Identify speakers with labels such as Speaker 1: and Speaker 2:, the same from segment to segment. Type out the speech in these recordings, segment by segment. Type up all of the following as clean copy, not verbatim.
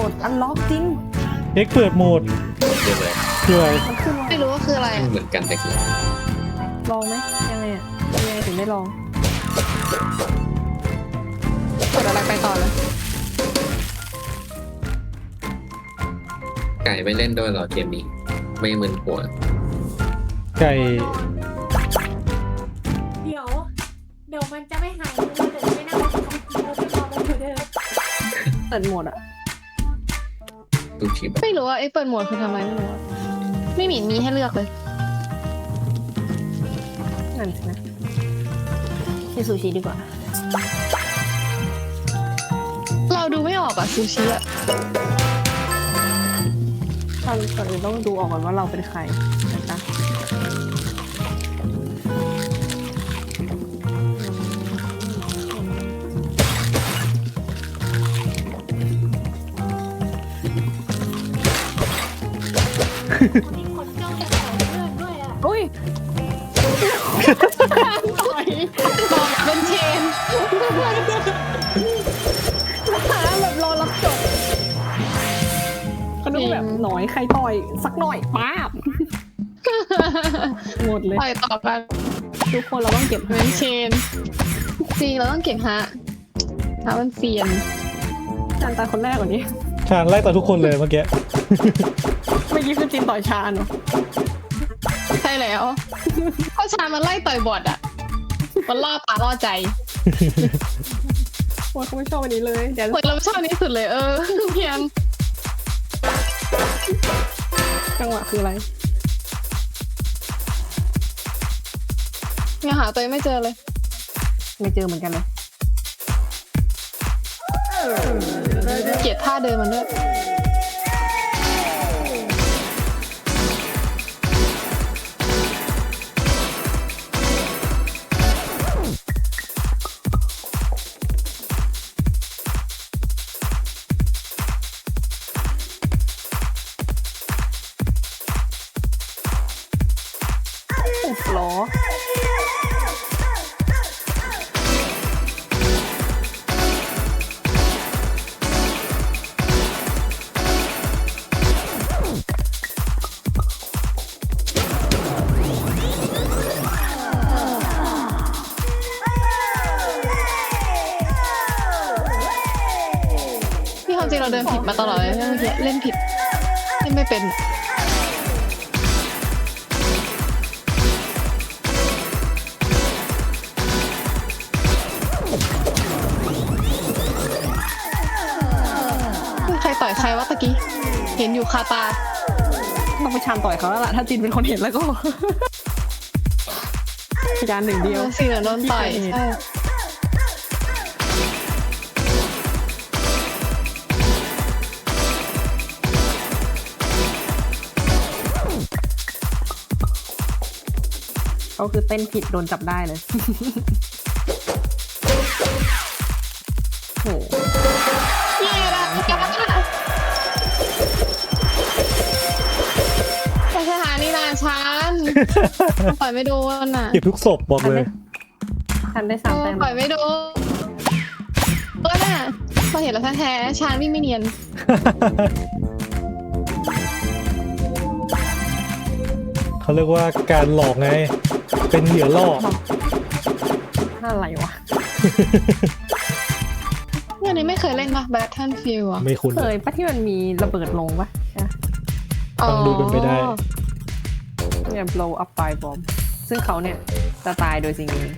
Speaker 1: ดอันล็อกจริง
Speaker 2: เอ็กเปิดโหมด
Speaker 3: เรียบร้อย
Speaker 2: คืออะไร
Speaker 1: มันขึ้นว่า
Speaker 4: ไม่รู้ว่าคืออะไร
Speaker 3: เหมือนกันแต่คือ
Speaker 1: ลองไหมยังไงอ่ะยังไงถึงได้ลอง
Speaker 4: กดอะไรไปต่อเลย
Speaker 3: ไก่ไม่เล่นด้วยเหรอเกมนี้ไม่มึนหัว
Speaker 2: ไก่
Speaker 5: เดี๋ยวมันจะไม่หายเลยเดี๋ยวจะไม่นั่งคอมพิวเตอร์จะมองมือเดิม
Speaker 1: เปิดโหมดอ่ะ
Speaker 3: ดูคลิป
Speaker 4: ไม่รู้ว่าไอ้เปิดโหมดคือทำอะไรไม่รู้อะไม่มีให้เลือกเลย
Speaker 1: นั่นสินะกินซูชิดีกว่า
Speaker 4: เราดูไม่ออกอะซูชิอะ
Speaker 1: ก่อนอื่นต้องดูออกก่อนว่าเราเป็นใครนะคะ
Speaker 5: มีคนจ้องจะแต่เพื่อนด้วยอ่ะ
Speaker 1: อุ้ย
Speaker 4: บอกเป็นเชน
Speaker 1: หาแบบรอรับจบเขาดูแบบหน่อยใครต่อยสักหน่อยป้าบหมดเลย
Speaker 4: ไปต่อกัน
Speaker 1: ทุกคนเราต้องเก็บ
Speaker 4: เป็นเชนจริงเราต้องเก่งฮะมันเซียน
Speaker 1: จานตาคนแรกกว่านี้
Speaker 2: ชาญไล่ต่อทุกคนเลยเมื่อกี้
Speaker 1: เมื่อกี้คือจินต่อยชาญเหรอ
Speaker 4: ใช่แล้วเพราะชามันไล่ต่อยบอดอะมันล่อตาล่อใจ
Speaker 1: โอ้ยเขาไม่ชอบอันนี้เลยเดี๋ยว
Speaker 4: เหมือนเราชอบอันนี้สุดเลยเพียง
Speaker 1: จังหวะคืออะไร
Speaker 4: ยังหาตัวเองไม่เจอเลย
Speaker 1: ไม่เจอเหมือนกันเลย
Speaker 4: เกลียดท่าเดินมันด้วย
Speaker 1: อุบล้อ
Speaker 4: ที่ความจริงเราเดินผิดมาตลอดเลยเมื่อกี้เล่นผิดเล่นไม่เป็นใครต่อยใครวะตะกี้เห็นอยู่คาตา
Speaker 1: ต้องไปชานต่อยเขาแล้วล่ะถ้าจินเป็นคนเห็นแล้วก็ พยานหนึ่งเดียว
Speaker 4: สีเหลืองโดนต่อยใช่
Speaker 1: เขาคือเต้นผิดโดนจับได้เลย โห
Speaker 4: เย้ละไปสถานีนานชันปล่อยไม่โดนน่ะ
Speaker 2: เก็บทุกศพบอกเลย
Speaker 1: ทันได้สามแต้ม
Speaker 4: ปล่อยไม่โดนน่ะพอเห็นแล้วแท้ๆชานวิ่งไม่เนียน
Speaker 2: เขาเรียกว่าการหลอกไง เป็นเหยื่อล่อ
Speaker 1: อะไรวะ
Speaker 4: เนี่ยนี้ไม่เคยเล่นปะ Battlefield อ่ะ
Speaker 2: ไม่คุ้น
Speaker 1: เคยปะที่มันมีระเบิดลงปะใช่ปะ
Speaker 2: ฟังดูเป็นไปได้
Speaker 1: เนี่ย blow up by bomb ซึ่งเขาเนี่ยจะตายโดยสิ่งนี้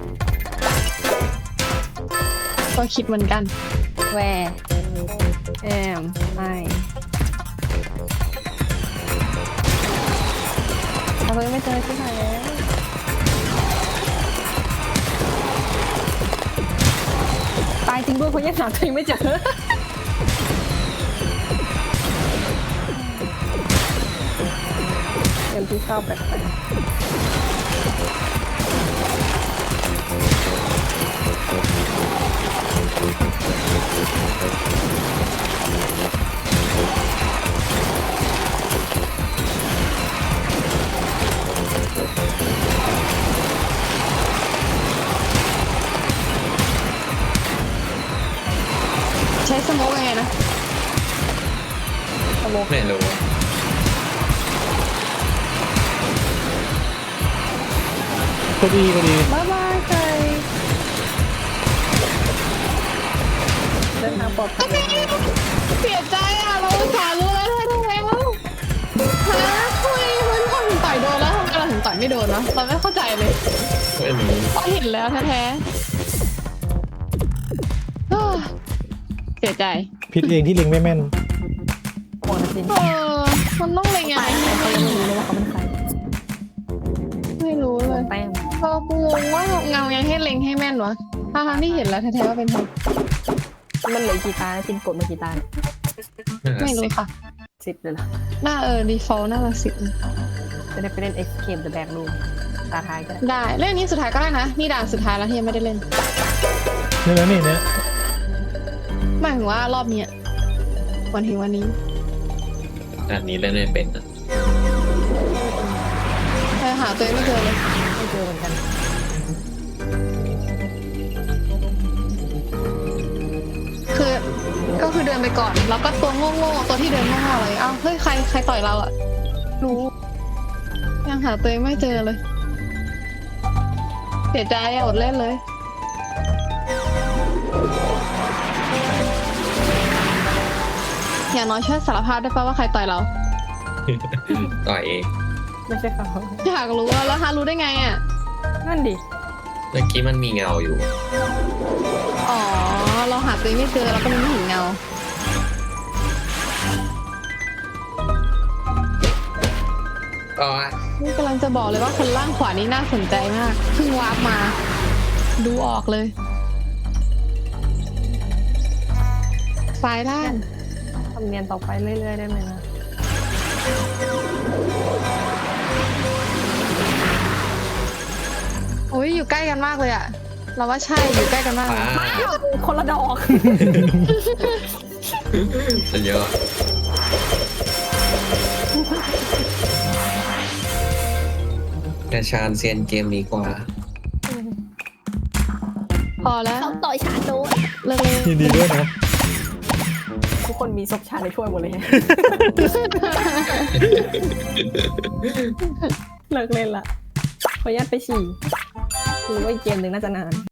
Speaker 4: ก็คิดเหมือนกัน
Speaker 1: where am I เราเลยไม่เจอที่ไหนแล้วตายจริงด้วยเพราะยังหาตัวเองไม่เจอ เงินที่เข้าแปลก
Speaker 4: ใช้สโมกยังไงนะ
Speaker 1: โมก
Speaker 3: ไม่รู้
Speaker 2: พอดี
Speaker 1: บ๊ายบายไก่เดินทางปลอดภัย
Speaker 4: เสียใจอ่ะเราอุตส่าห์รู้แล้วทำไมวะฮะทำไมมันทำถึงต่อยโดนแล้วทำไมเราถึงต่อยไม่โดนวะเราไม่เข้าใจเลย
Speaker 3: ไม่รู้
Speaker 4: พอเห็นแล้วแท้ๆเฮ้อเสียใจ
Speaker 2: ผิดเองที่เล็งไม่แม่น
Speaker 1: ห่วงนะจริง
Speaker 4: มันต้องเลยไง
Speaker 1: เขายังไม่รู้เลยว่าเขาเป็นใคร
Speaker 4: ไม่รู้เลย
Speaker 1: แต้ม
Speaker 4: ก็งงว่าเงายังให้เล็งให้แม่นวะทั้งที่เห็นแล้วแท้ๆว่าเป็นใคร
Speaker 1: มันเหลือกี่ตานะชินกดมากี่ตา
Speaker 4: ไม่รู้ค่ะ
Speaker 1: 10เลยเหรอ
Speaker 4: หน้าdefault น่าจะ10
Speaker 1: จะได้ไปเล่น Escape the Back Room ตาท้ายก็ได้
Speaker 4: ได้เล่นนี้สุดท้ายก็ได้นะนี่ด่านสุดท้ายแล้วที่ยังไม่ได้เล่น
Speaker 2: นี่นะนี่เนี่ย
Speaker 4: หมายถึงว่ารอบเนี้ยวันถึงวันนี้
Speaker 3: อันนี้เล่นไม่เป็นนะ
Speaker 4: หาตัวเองไม่เจอเลย
Speaker 1: ไม่เจอเหมือนกัน
Speaker 4: คือก็คือเดินไปก่อนแล้วก็ตัวโง่ๆตัวที่เดินโง่ๆเลยอ้าวเฮ้ยใครต่อยเราอะรู้ยังหาตัวเองไม่เจอเลยเสียใจอะอดเล่นเลยอย่างน้อยช่วยสารภาพได้ป่ะว่าใครต่อยเรา
Speaker 3: ต่อยเอง
Speaker 1: ไม่ใช่เขา
Speaker 4: อยากรู้อะแล้วฮารู้ได้ไงอะ
Speaker 1: นั่นดิ
Speaker 3: เมื่อกี้มันมีเงาอยู่
Speaker 4: อ๋อเราหาตัวเองไม่เจอเราก็เลยไม่เห็นเงา
Speaker 3: อ๋อ
Speaker 4: นี่กำลังจะบอกเลยว่าคนล่างขวานี้น่าสนใจมากเพิ่งวาร์ปมา ดูออกเลยซ้ายด้าน
Speaker 1: ทำเนียนต่อไปเรื่อยๆได้ไหมนะ
Speaker 4: โอ้ยอยู่ใกล้กันมากเลยอะเราว่าใช่อยู่ใกล้กันมากเลย
Speaker 1: คนละดอก
Speaker 3: จะเยอะแต่ชาญเซียนเกมนี้กว่า
Speaker 4: พอแล้ว
Speaker 5: เขาต่อยชาโดน
Speaker 4: เลิกเลย
Speaker 2: ยินดีด้วยนะ
Speaker 1: ทุกคนมีศพชาในถ้วยหมดเลย เลิกเล่นละขออนุญาตไปฉี่หรือว่าอีกเกมหนึ่งน่าจะนาน